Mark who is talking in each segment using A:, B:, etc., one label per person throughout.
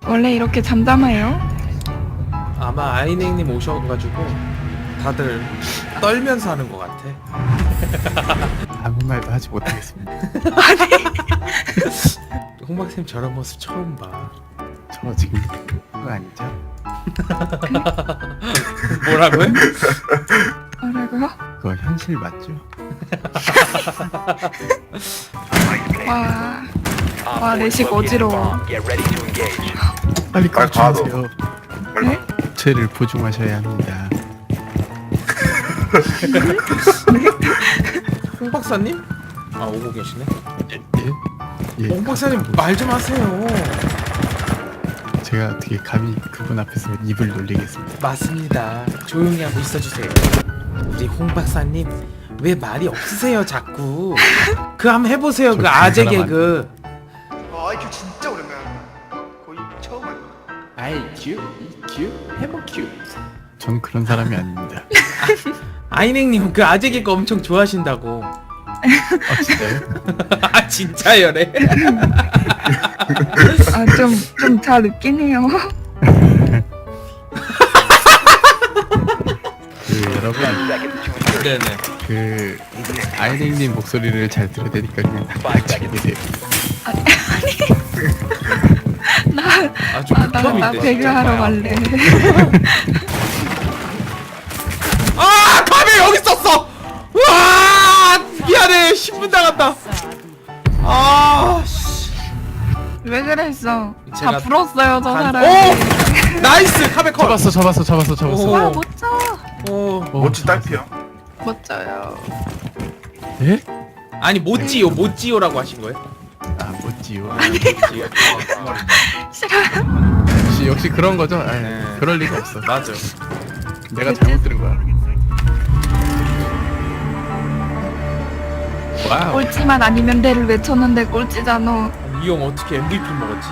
A: 원래 이렇게 잠잠해요?
B: 아마 아이넥님 오셔가지고 다들 떨면서 하는 것 같아.
C: 아무 말도 하지 못하겠습니다.
B: 홍박쌤 저런 모습 처음 봐.
C: 저 지금 그거 아니죠?
B: 뭐라고요?
A: 뭐라고요?
C: 그거 현실 맞죠?
A: 와, 내식 어지러워.
C: 빨리
D: 빨리 가,
C: 꺼주세요.
A: 네?
C: 죄를 보증하셔야 합니다.
B: 홍박사님? 아 오고 계시네.
C: 예? 예.
B: 홍박사님 말 좀 하세요.
C: 제가 어떻게 감히 그분 앞에서 입을 놀리겠습니다.
B: 맞습니다. 조용히 하고 있어주세요. 우리 홍박사님 왜 말이 없으세요 자꾸. 그 한번 해보세요.
C: 저
B: 그 아재
C: 사람
B: 개그.
D: IQ 진짜 오랜만에 한다. 거의 처음 한 거야.
B: IQ, EQ, 해머 Q.
C: 전 그런 사람이 아닙니다.
B: 아이넥님 그 아재 개그 엄청 좋아하신다고.
C: 아 진짜요?
B: 아 진짜요래.
A: 아, 좀 잘 웃긴 해요.
C: 그 여러분
B: 네네.
C: 그 아이넥님 목소리를 잘 들어야 되니까 그냥 딱 치고 계세요.
B: 아좀
A: 나
B: 극혐인데.
A: 배그하러 갈래.
B: 아 카메 여기 있었어. 와 미안해 신분 당한다. 아 씨.
A: 왜 그랬어?
B: 제가
A: 다 불었어요, 저 사람.
B: 오 나이스 카메 컷.
C: 잡았어.
B: 오.
A: 와, 멋져.
B: 오.
D: 멋진 딸피야.
A: 멋져요.
C: 예?
B: 아니 못지요 못지요라고 하신 거예요?
C: 아 못지요.
B: 못지요.
A: 싫어요.
C: 역시 그런 거죠? 아,
B: 네.
C: 그럴 리가 없어.
B: 맞아.
C: 내가 잘못 들은 거야. 와우.
A: 꼴찌만 아니면 대를 외쳤는데 꼴찌잖아.
B: 이 형 어떻게 MVP 먹었지?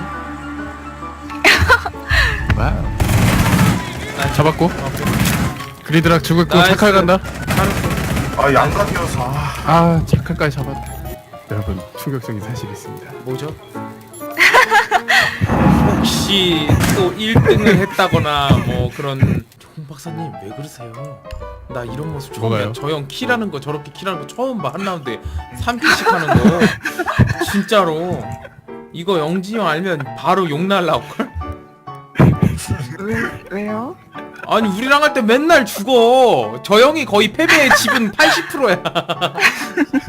C: 와우. 잡았고.
B: 오케이.
C: 그리드락 죽었고
B: 나이스.
C: 착할 간다.
B: 잘했어.
D: 아 양각이어서.
C: 아 착할까지 잡았다. 여러분 충격적인 사실이 있습니다.
B: 뭐죠? 혹시 또 1등을 했다거나 뭐 그런. 홍 박사님 왜 그러세요? 나 이런 모습 처음
C: 뭐가요?
B: 봐. 저 형 킬하는 거 저렇게 킬하는 거 처음 봐. 한 라운드에 3킬씩 하는 거. 진짜로. 이거 영지 형 알면 바로 욕 날라올걸?
A: 왜요?
B: 아니 우리랑 할 때 맨날 죽어. 저 형이 거의 패배의 지분 80%야.